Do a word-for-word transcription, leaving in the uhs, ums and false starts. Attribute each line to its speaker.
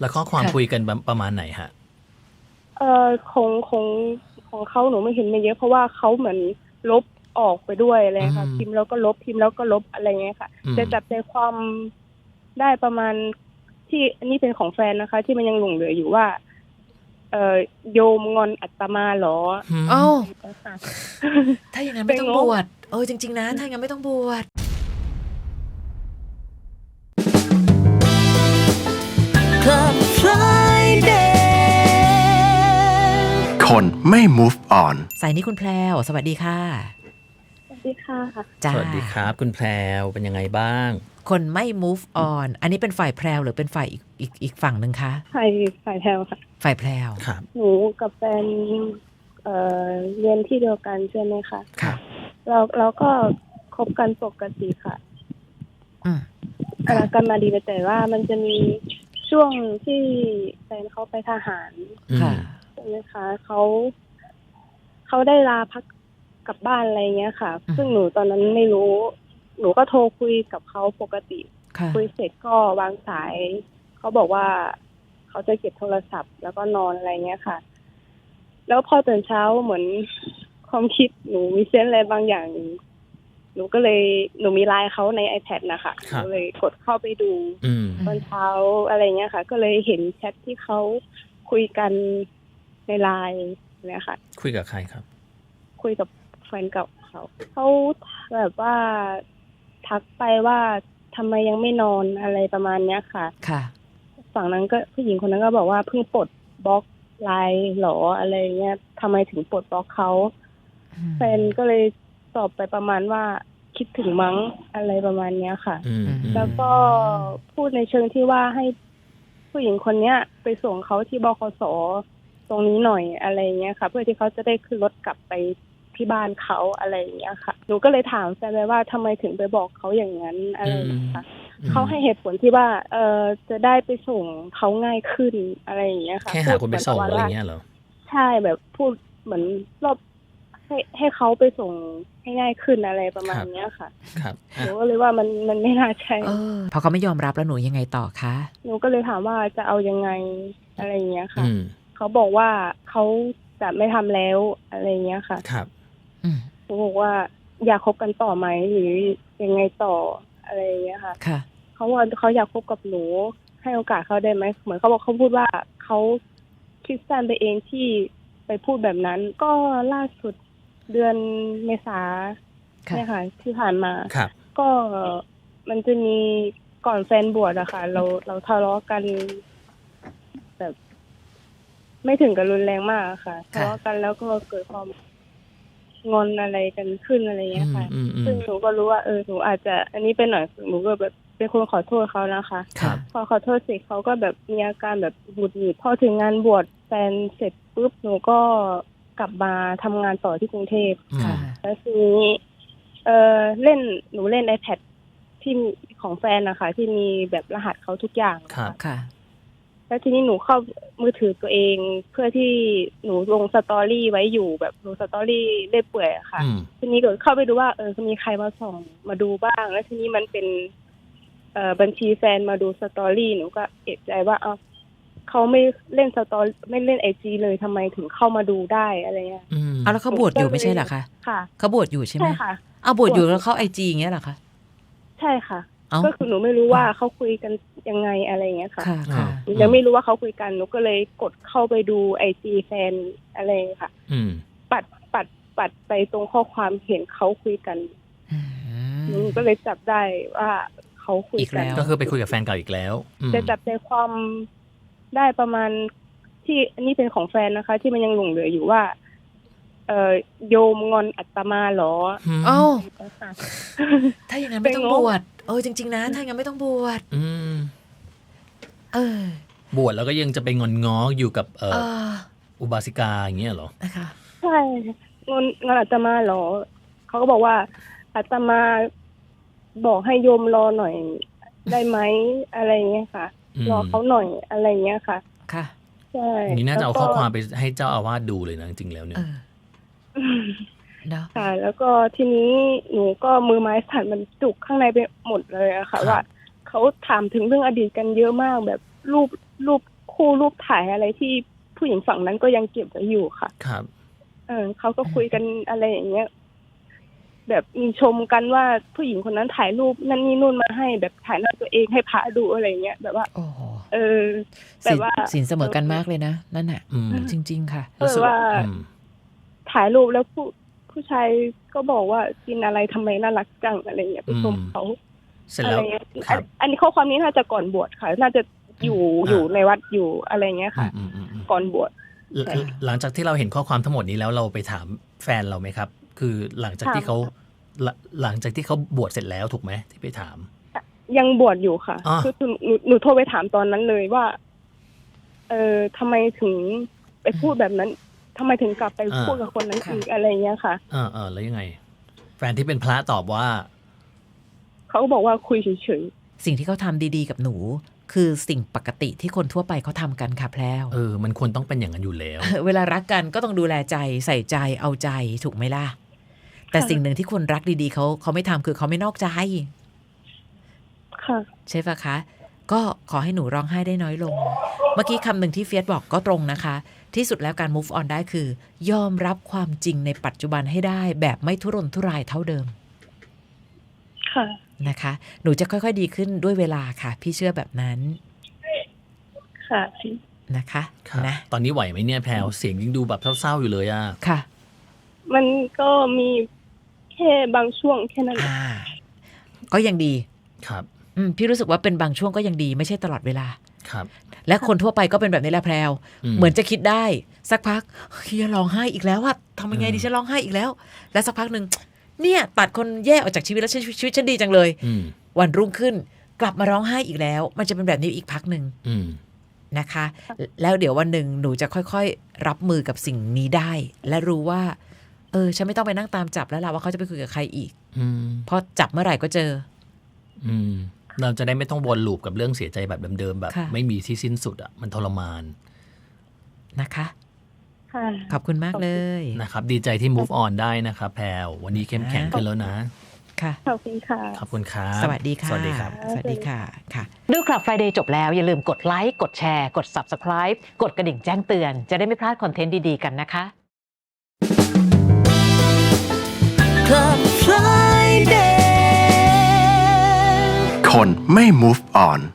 Speaker 1: แล้วข้อความคุยกันประมาณไหนฮะ
Speaker 2: เอ่อของของของเขาหนูไม่เห็นไม่เยอะเพราะว่าเขาเหมือนลบออกไปด้วยอะไรค่ะพิมพ์แล้วก็ลบพิมพ์แล้วก็ลบอะไรเงี้ยค่ะจะจับใจความได้ประมาณที่อันนี้เป็นของแฟนนะคะที่มันยังหลงเหลืออยู่ว่าเอ่อโยมงอนอัตมาหรอ
Speaker 3: เอ้าถ้าอย่างนั้นไม่ต้องบวชเออจริงๆนะถ้าอย่างนั้นไม่ต้องบวช
Speaker 4: Club Friday
Speaker 5: คนไม่ move on
Speaker 3: สายนี้คุณแพรวสวัสดีค่ะ
Speaker 2: สวัสดีค่ะ
Speaker 1: สวัสดีครับคุณแพรวเป็นยังไงบ้าง
Speaker 3: คนไม่ move on อันนี้เป็นฝ่ายแพรวหรือเป็นฝ่ายอีกอีกอีกฝั่งหนึ่งคะ
Speaker 2: ฝ่ายฝ่ายแพรวค่ะ
Speaker 3: ฝ่ายแพรว
Speaker 1: ครับ
Speaker 2: หนูกับแฟนเอ่อเรียนที่เดียวกันใช่ไหมคะ
Speaker 3: ครับ
Speaker 2: เราเราก็คบกันปกติค่ะ
Speaker 3: อืม
Speaker 2: รักกันมาดีแต่ว่ามันจะมีช่วงที่แฟนเขาไปทหาร
Speaker 3: ค่ะ
Speaker 2: ใช่ไหมคะเขาเขาได้ลาพักกลับบ้านอะไรเงี้ยค่ะซึ่งหนูตอนนั้นไม่รู้หนูก็โทรคุยกับเขาปกติคุยเสร็จก็วางสายเขาบอกว่าเขาจะเก็บโทรศัพท์แล้วก็นอนอะไรเงี้ยค่ะแล้วพอตื่นเช้าเหมือนความคิดหนูมีเซนส์อะไรบางอย่างหนูก็เลยหนูมีไลน์เขาใน iPad นะคะหนูเลยกดเข้าไปดูตอนเช้าอะไรเงี้ยค่ะก็เลยเห็นแชทที่เขาคุยกันในไลน์เนี่ยค่ะ
Speaker 1: คุยกับใครครับ
Speaker 2: คุยกับแฟนเก่าเขาเขาแบบว่าทักไปว่าทำไมยังไม่นอนอะไรประมาณเนี้ยค่ะ
Speaker 3: ค่ะ
Speaker 2: ฝั่งนั้นก็ผู้หญิงคนนั้นก็บอกว่าเพิ่งปลดบล็อกไลน์หรออะไรเงี้ยทำไมถึงปลดบล็อกเขาแฟนก็เลยตอบไปประมาณว่าคิดถึงมั้งอะไรประมาณเนี้ยค่ะแล้วก็พูดในเชิงที่ว่าให้ผู้หญิงคนเนี้ยไปส่งเขาที่บขส.ตรงนี้หน่อยอะไรเงี้ยค่ะเพื่อที่เขาจะได้ขึ้นรถกลับไปที่บ้านเขาอะไรอย่างเงี้ยค่ะหนูก็เลยถามแฟนไปว่าทำไมถึงไปบอกเขาอย่างนั้นอะไรอย่างเงี้ยค่ะเขาให้เหตุผลที่ว่าเออจะได้ไปส่งเขาง่ายขึ้นอะไรอย่างเงี้ยค่ะ
Speaker 1: แค่หาคนไปส่งอะไรเงี้ยเหรอ
Speaker 2: ใช่แบบพูดเหมือนรอบให้ให้เขาไปส่งให้ง่ายขึ้นอะไรประมาณเนี้ยค่ะ
Speaker 1: ครับ
Speaker 2: หนูก็เลยว่ามันมันไม่น่าใช่
Speaker 3: เออพอเขาไม่ยอมรับแล้วหนูยังไงต่อคะ
Speaker 2: หนูก็เลยถามว่าจะเอายังไงอะไรอย่างเงี้ยค่ะเขาบอกว่าเขาจะไม่ทำแล้วอะไรเงี้ยค่ะ
Speaker 1: ครับ
Speaker 2: หนูบอกว่าอยากคบกันต่อไหมหรือยังไงต่ออะไรเงี้ยค่ะ
Speaker 3: ค่ะ
Speaker 2: เขาว่าเขาอยากคบกับหนูให้โอกาสเขาได้ไหมเหมือนเขาบอกเขาพูดว่าเขาคิดสั้นไปเองที่ไปพูดแบบนั้นก็ล่าสุดเดือนเมษาเนี่ยค่ะที่ผ่านมาก็มันจะมีก่อนแฟนบวชอะค่ะเราเราทะเลาะกันแบบไม่ถึงกับรุนแรงมากค่ะทะเลาะกันแล้วก็เกิดความงอนอะไรกันขึ้นอะไรเงี้ยค่ะซึ่งหนูก็รู้ว่าเออหนูอาจจะอันนี้เป็นหน่อยหนูก็แบบเป็นคนขอโทษเขานะคะพอขอโทษเสร็จเขาก็แบบมีอาการแบบหงุดหงิดพอถึงงานบวชแฟนเสร็จปุ๊บหนูก็กลับมาทำงานต่อที่กรุงเทพแล้วทีนี้เออเล่นหนูเล่น iPad ที่ของแฟนนะคะที่มีแบบรหัสเขาทุกอย่าง
Speaker 3: ค่ะ
Speaker 2: แล้วทีนี้หนูเข้ามือถือตัวเองเพื่อที่หนูลงสตอรี่ไว้อยู่แบบลงสตอรี่เล่อยเปื่อยอะค่ะทีนี้ก็เข้าไปดูว่าเออมีใครมาส่องมาดูบ้างแล้วทีนี้มันเป็นเอ่อบัญชีแฟนมาดูสตอรี่หนูก็เอะใจว่าเอ้าเขาไม่เล่นสตอรี่ไม่เล่น ไอ จี เลยทำไมถึงเข้ามาดูได้อะไรเงี้ย
Speaker 3: เอาแล้วเขาบวชอยู่ไม่ใช่เหรอคะ
Speaker 2: ค่ะ
Speaker 3: เขาบวชอยู่ใช่ไหม
Speaker 2: ใช่ค่ะ
Speaker 3: เอาบวชอยู่แล้วเขา ไอ จี อย่างเงี้ยเหรอคะ
Speaker 2: ใช่ค่ะก็คือหนูไม่รู้ว่าเขาคุยกันยังไงอะไรเงี้ยค่ะยังไม่รู้ว่าเขาคุยกันหนูก็เลยกดเข้าไปดู ไอ จี แฟนอะไรค่ะปัดปัดปัดไปตรงข้อความเห็นเขาคุยกันหนูก็เลยจับได้ว่าเขาคุยกัน
Speaker 1: ก็คือไปคุยกับแฟนเก่าอีกแล้ว
Speaker 2: จะจับใจความได้ประมาณที่อันนี้เป็นของแฟนนะคะที่มันยังหลงเหลืออยู่ว่าเอ่อโยมงอนอัตมาหรอ
Speaker 3: เอ้าถ้าอย่างนั้นไม่ต้องบวชเออจริงๆนะถ้าอย่างนั้นไม่ต้องบวชเอ
Speaker 1: อบวชแล้วก็ยังจะไปงอนง้ออยู่กับเอ่ออุบาสิกาอย่างเงี้ยเหรอ
Speaker 3: นะคะ
Speaker 2: ใช่งอนงอนอัตมาหรอเขาก็บอกว่าอัตมาบอกให้โยมรอหน่อยได้ไหมอะไรเงี้ยค่ะรอเขาหน่อยอะไรเงี้ยค่ะ
Speaker 3: ค่ะ
Speaker 2: ใช่
Speaker 1: นี่น่าจะเอาข้อความไปให้เจ้าอาวาสดูเลยนะจริงๆแล้วเนี่ย
Speaker 2: ค่ะแล้วก็ทีนี้หนูก็มือไม้สั่นมันจุกข้างในไปหมดเลยอะค่ะว่าเขาถามถึงเรื่องอดีตกันเยอะมากแบบรูปรูปคู่รูปถ่ายอะไรที่ผู้หญิงฝั่งนั้นก็ยังเก็บไว้อยู่ค่ะ
Speaker 1: ครับ
Speaker 2: เออเขาก็คุยกันอะไรอย่างเงี้ยแบบมีชมกันว่าผู้หญิงคนนั้นถ่ายรูปนั่นนี่นู่นมาให้แบบถ่ายหน้าตัวเองให้พระดูอะไรเงี้ยแบบว่า
Speaker 3: โอ้โห
Speaker 2: เออแต่
Speaker 3: สิน
Speaker 2: ว่า
Speaker 3: สินเสมอกันมากเลยนะนั่นน่ะ
Speaker 1: อืม
Speaker 3: จริง ๆ ค่ะ
Speaker 2: เออว่า
Speaker 1: อืม
Speaker 2: ถ่ายรูปแล้วผู้ผู้ชายก็บอกว่ากินอะไรทำไมน่ารักจังอะไรเงี้ยไปชมเขา
Speaker 1: เสร็จ
Speaker 2: อะ
Speaker 1: แล้
Speaker 2: ไร
Speaker 1: ว
Speaker 2: เงี้ย
Speaker 1: ครับ
Speaker 2: อันอันนี้ข้อความนี้น่าจะก่อนบวชค่ะ น่าจะอยู่
Speaker 1: อ่า
Speaker 2: อยู่ในวัดอยู่อะไรเงี้ยค่ะ
Speaker 1: อืมอืมอืม
Speaker 2: ก่อนบวช
Speaker 1: หลังหลังจากที่เราเห็นข้อความทั้งหมดนี้แล้วเราไปถามแฟนเราไหมครับ คือหลังจากที่เขาหลังหลังจากที่เขาบวชเสร็จแล้วถูกไหมที่ไปถาม
Speaker 2: ยังบวชอยู่ค่ะ
Speaker 1: อ่า
Speaker 2: คือหนูหนูโทรไปถามตอนนั้นเลยว่า เออทำไมถึงไปพูดแบบนั้นทำไมถึงกลับไปพูดกับคนนั้น
Speaker 3: ค่ะ
Speaker 2: อีกอะไรเงี้ยค่ะ
Speaker 1: เออเออแล้วยังไง แฟนที่เป็นพระตอบว่า
Speaker 2: เขาก็บอกว่าคุยเฉย
Speaker 3: สิ่งที่เขาทำดีๆกับหนู คือสิ่งปกติที่คนทั่วไปเขาทำกันค่ะแพรว
Speaker 1: เออ มันควรต้องเป็นอย่างนั้นอยู่แล้ว
Speaker 3: เวลารักกันก็ต้องดูแลใจใส่ใจเอาใจถูกไหมล่ะ แต่สิ่งหนึ่งที่คนรักดีๆเขาเขาไม่ทำคือเขาไม่นอกใจ
Speaker 2: ๆค่ะ
Speaker 3: ใช่ปะคะ ก็ขอให้หนูร้องไห้ได้น้อยลง เมื่อกี้คำหนึ่งที่เฟียสบอกก็ตรงนะคะ ที่สุดแล้วการ move on ได้คือ ยอมรับความจริงในปัจจุบันให้ได้ แบบไม่ทุรนทุรายเท่าเดิม
Speaker 2: ค่ะ
Speaker 3: นะคะ หนูจะค่อยๆดีขึ้นด้วยเวลาค่ะ พี่เชื่อแบบนั้น
Speaker 2: ค่ะ
Speaker 3: นะคะ
Speaker 1: ครับ
Speaker 3: นะ
Speaker 1: ตอนนี้ไหวไหมเนี่ยแพลวเสียงยังดูแบบเศร้าๆอยู่เลยอ่ะ
Speaker 3: ค่ะ
Speaker 2: มันก็มีแค่บางช่วงแค่นั้น
Speaker 3: อ่า ก็ยังดี
Speaker 1: ครับ
Speaker 3: อืมพี่รู้สึกว่าเป็นบางช่วงก็ยังดีไม่ใช่ตลอดเวลา
Speaker 1: ครับ
Speaker 3: และคนทั่วไปก็เป็นแบบนี้แหละแพรว
Speaker 1: อืม
Speaker 3: เหมือนจะคิดได้สักพักเฮียร้องไห้อีกแล้วอะทำยังไง
Speaker 1: อืม
Speaker 3: ดิฉันร้องไห้อีกแล้ว และสักพักหนึ่งเนี่ยตัดคนแย่ออกจากชีวิตแล้วชีวิตชีวิตฉันดีจังเลย
Speaker 1: อืม
Speaker 3: วันรุ่งขึ้นกลับมาร้องไห้อีกแล้ว มันจะเป็นแบบนี้อีกพักหนึ่ง
Speaker 1: อืม
Speaker 3: นะคะ แล้วเดี๋ยววันหนึ่งหนูจะค่อยๆรับมือกับสิ่งนี้ได้ และรู้ว่าเออฉันไม่ต้องไปนั่งตามจับแล้วล่ะว่าเขาจะไปคุยกับใครอีก
Speaker 1: อืม
Speaker 3: เพราะจับเมื่อไหร่ก็เจอ
Speaker 1: อืม เราจะได้ไม่ต้องวนลูปกับเรื่องเสียใจแบบเดิมๆแบบ
Speaker 3: ค่ะ
Speaker 1: ไม่มีที่สิ้นสุดอ่ะ มันทรมาน
Speaker 3: นะคะ
Speaker 2: ค่ะ
Speaker 3: ขอบคุณมากเลย
Speaker 1: นะครับ ดีใจที่ move on ได้นะครับแพลววันนี้เข้มแข็งขึ้นแล้วนะ
Speaker 3: ค่ะ
Speaker 2: ขอบคุณค่ะ
Speaker 1: ขอบคุณครับ
Speaker 3: สวัสดีค่ะ
Speaker 1: สวัสดีครับ
Speaker 3: สวัสดีค่ะค่ะ
Speaker 6: ดูคลับ Friday จบแล้ว อย่าลืมกดไลค์กดแชร์กด Subscribe กดกระดิ่งแจ้งเตือน จะได้ไม่พลาดคอนเทนต์ดีๆกันนะคะ
Speaker 4: Club Friday
Speaker 5: คนไม่ move on